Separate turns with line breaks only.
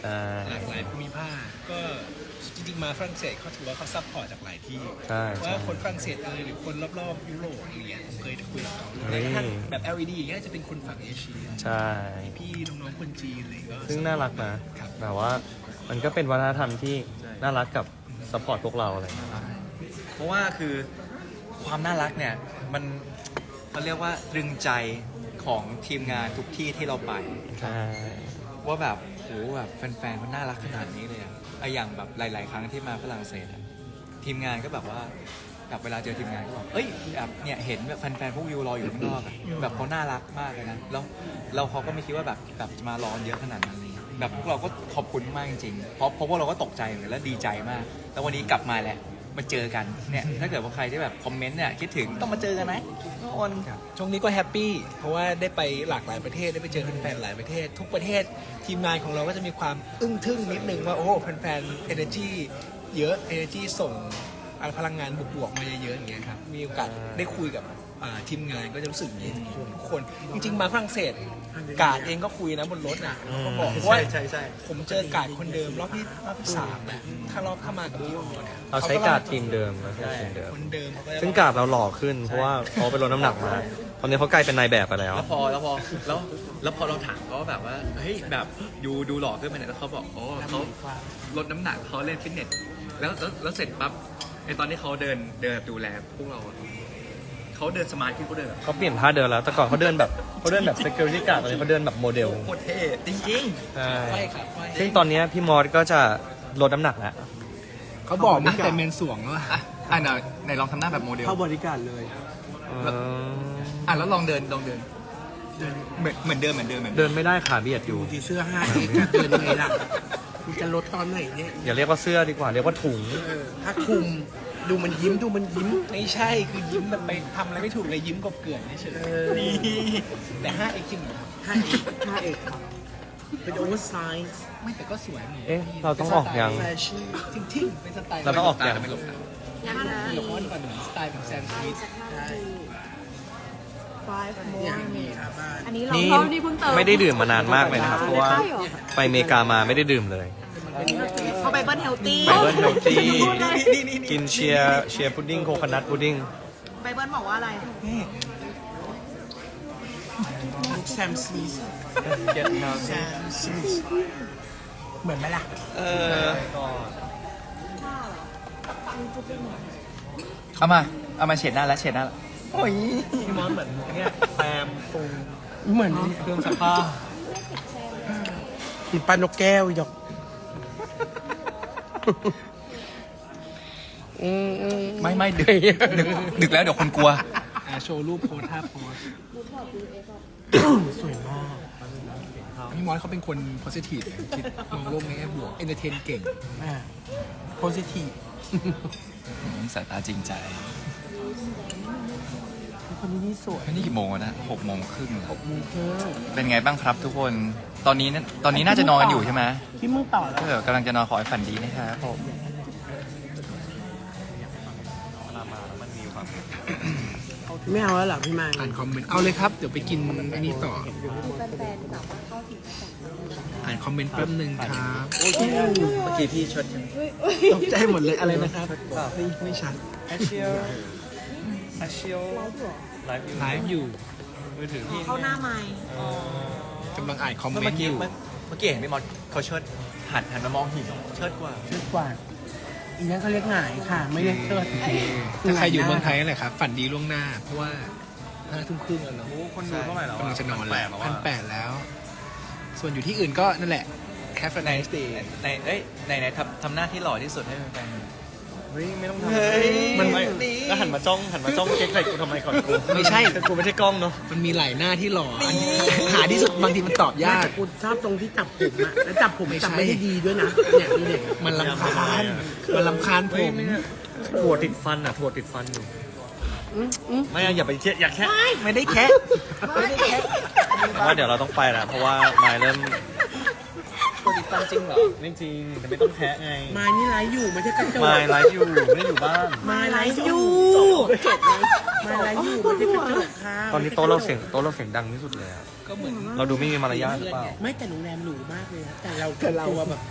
หลากหลายภูมิภาคก็จริงๆมาฝรั่งเศสเขาถือว่าเขาซัพพอร์ตจากหลายที่
ใช่
ว่าคนฝรั่งเศสหรือคนรอบๆยุโรปอะไรเงี้ยผมเคยคุยกับเขาแม้กระทั่งแบบ LED อย่างเงี้ยจะเป็นคนฝั่งเอเชีย
ใช่
พี่น้องๆคนจีนอะไรก็
ซึ่งน่ารักนะแบบว่ามันก็เป็นวัฒนธรรมที่น่ารักกับซัพพอร์ตพวกเราอะไรอย่างเงี้ย
เพราะว่าคือความน่ารักเนี่ยมันเขาเรียกว่าตรึงใจของทีมงานทุกที่ที่เราไป
ใช่
ว่าแบบโหแบบแฟนๆมันน่ารักขนาดนี้เลยอะไออย่างแบบหลาย ๆ ครั้งที่มาฝรั่งเศสอะทีมงานก็แบบว่าแบบเวลาเจอทีมงานก็แบบเอ้ยแบบเนี่ยเห็นแบบแฟนๆพวกวิวรออยู่ข้างนอกอะแบบเขาน่ารักมากเลยนะแล้วเขาก็ไม่คิดว่าแบบจะมารอเยอะขนาดนั้นเลยแบบพวกเราก็ขอบคุณมากจริงๆเพราะพวกเราก็ตกใจเลยและดีใจมากแล้ววันนี้กลับมาแหละมาเจอกันเนี่ยถ้าเกิดว่าใครที่แบบคอมเมนต์เนี่ยคิดถึงต้องมาเจอกันนะทุกคน
ช่วงนี้ก็แฮปปี้เพราะว่าได้ไปหลากหลายประเทศได้ไปเจอแฟนๆหลายประเทศ ทุกประเทศทีมงานของเราก็จะมีความอึ้งทึ่งนิดนึงว่าโอ้แฟนๆ energy เยอะ energy ส่งพลังงานบวกๆมาเยอะๆอย่างเงี้ยครับมีโอกาสได้คุยกับทีมงานก็จะรู้สึกอย่างนี้ทุกคนจริงๆมาฝรั่งเศสกาดเองก็คุยนะบนรถอ่ะเขาก็บอกว่าผมเจอกาดคนเดิมรอบที่3แหละถ้ามากับพี่โอเนี่ย
เราใช้การ์ดทีมเดิมเราใช้ทีมเดิม
คนเดิมเขาก็จะ
ซึ่งการ์ดเราหล่อขึ้นเพราะว่าเขาไปลดน้ำหนักมาตอนนี้เขากลายเป็นนายแบบไปแล้ว
แล้วพอเราถามเขาแบบว่าเฮ้ยแบบดูหล่อขึ้นไปเนี่ยแล้วเขาบอกอ๋อเขาลดน้ำหนักเขาเล่นฟิตเนสแล้วเสร็จปั๊บไอตอนที่เขาเดินดูแลพวกเราอะเขาเดินสมาร์ทขึ้นเขาเดินแบบ
เขาเปลี่ยนท่าเดินแล้วแต่ก่อนเขาเดินแบบ security guard ตอนนี้เขาเดินแบบโมเดล
โคตรเท่จริง
ใช่
ไขว้ครับไขว้
ซึ่งตอนนี้พี่มอสก็จะลดน้ำหนักแล้ว
เขาบอกตั้งแต่เมนสวงแล้วอะ
ๆไหนลองทำหน้าแบบโมเดล
เข้าบริการเลย
แล้วลองเดินเหมือนเดิม
เดินไม่ได้ขาเบียดอยู่
ดูที่เสื้อ5 x เดินยังไงล่ะมันจะลดตอนไหนเนี่ย
อย่าเรียกว่าเสื้อดีกว่าเรียกว่าถุง
ถ้าคุมดูมันยิ้ม
ไม่ใช่คือยิ้มแบบไปทำอะไรไม่ถูกเลยยิ้มกบเกลื่อนเฉยๆแต่ 5x จริงเหรอ
5 x ครับเป็นโอเวอร์ไซส์
ไม่แต่ก็สวยเหมือน
เอ๊ะเราต้องออกยัง
แฟชั่น
จริงๆเป็นสไตล์
เราต้องออกยัง
ไม่หลบตา
ยังนะ
เดี๋ยวเขาก่อนเหมือนสไตล์ของแซมสมิธ
5
เนี่ย
more
มีครับบ้าน
อันนี้เรา
นี่
เพิ่มนี่เพิ่งเติม
ไม่ได้ดื่มมานานมากเลยนะครับเพราะว่า
ใช่เหรอ
ไปอเมริกามาไม่ได้ดื่มเลย
เขาไปเบิ้ลเฮลตี้
ไปเบิ้ลเฮลตี้กินเชียร์พุดดิ้งโคคอนัทพุดดิ้ง
ไปเบิ้ลบอกว่าอะไร
แซมซีสแซมซีสเหมือนไหมล่ะ
เอามาเฉดหน้าแล้วโอ้ย
พี่มอสเหมือนเนี่ยแซมปรุง
เหมือน
เครื่องซักผ้า
ปลานกแก้วอีดอก
ไม่ดึกแล้วเดี๋ยวคนกลัว
โชว์รูปโพสท่าโพส
สวยมาก
พี่มอสเขาเป็นคนโพสิทีฟคิดมองโลกในแง่บวกเอนเตอร์เทนเก่ง
โพสิทีฟ
สายตาจริงใจ
คนนี้นี่สวย
นี่กี่โมงแล้วนะ6 โมงครึ่ง
6 โมงครึ่ง
เป็นไงบ้างครับทุกคน ตอนนี้น่าจะนอนกันอยู่ใช่ไหม
ที่มึงต่อแล้ว
ถ้าเกิดกำลังจะนอนขอให้ฝันดีนะครับผม
ไม่เอาแล้วเหรอพี่มาย
อ่านคอมเมนต์เอาเลยครับ เดี๋ยวไปกินอันนี้ต่ออ่านคอมเมนต์แป๊บนึงครับ
เมื่อกี้พี่ชด
ตกใจหมดเลยอะไรนะครับไม่ชัด
แอชเชียลไลฟ์
ไลฟ์อยู่
มือถือพี่
เข้าหน้าไม้
กำลังอ่านคอมเม
เมื่
น
อ
ต์
กี้
อยู่
เห็นพี่มอสเขาเชิดหันมามองหินเชิดกว่า
เชิดกว่า อีนั้นเขาเรียกหงายค่ะ ไม่เรียกเชิด
ถ้าใครอยู่เมืองไทยนั่นแหละครับฝันดีล่วงหน้า เพราะว่า5 ทุ่มครึ่งแล้วเนาะ
คนดูเท่าไหร่แล้ว
กำลังจะนอนแล้ว1,800แล้ว ส่วนอยู่ที่อื่นก็นั่นแหละ Have a nice day
ในทำหน้าที่หล่อที่สุดให้แฟน
เฮ้ยไม่ต้องทำ
เฮ้ย
มันไม่แล้วหันมาจ้องเก๊กใส่กูทำไมก่อนกู
ไม่ใช่
แต่กูไม่ใช่กล้องเนาะ
มันมีหลายหน้าที่หล่ออันนี้หาที่สุดบางทีมันตอบยาก
แต่กูชอบตรงที่จับผมอะแล้วจับผม
ไม่ใช่
จับไม่ได้ดีด้วยนะเนี่ยนี่เนี่ย
มันลำคาญมันลำคาญผม
ถั่วติดฟันอ่ะถั่วติดฟันอยู่ไม่อะอย่าไปเชี่ยอย่าแค่
ไม่ได้แค่ไม่ได้แค่
เพราะว่าเดี๋ยวเราต้องไปแล้วเพราะว่าไมล์เริ่ม
ฟันจริงเหรอ
ไม่จริงแต่ไม่ต้องแคะไง
ไม้นี่ไลฟ์อยู่ไม่ใช่กระจก
ไม่ไลฟ์อยู่ไม่ได้อยู่บ้าน
ไม้ไลฟ์อยู่ไม้ไลฟ์อยู่ไม่ใช่กระจกค่ะ
ตอนนี้โต๊ะเราเสียงดังที่สุดเลยอะ
ก็เหมือน
เราดูไม่มีมารยาทหรือเปล่า
ไม่แต่โรงแรมหรูมากเลยนะแต่เราตัวแบบ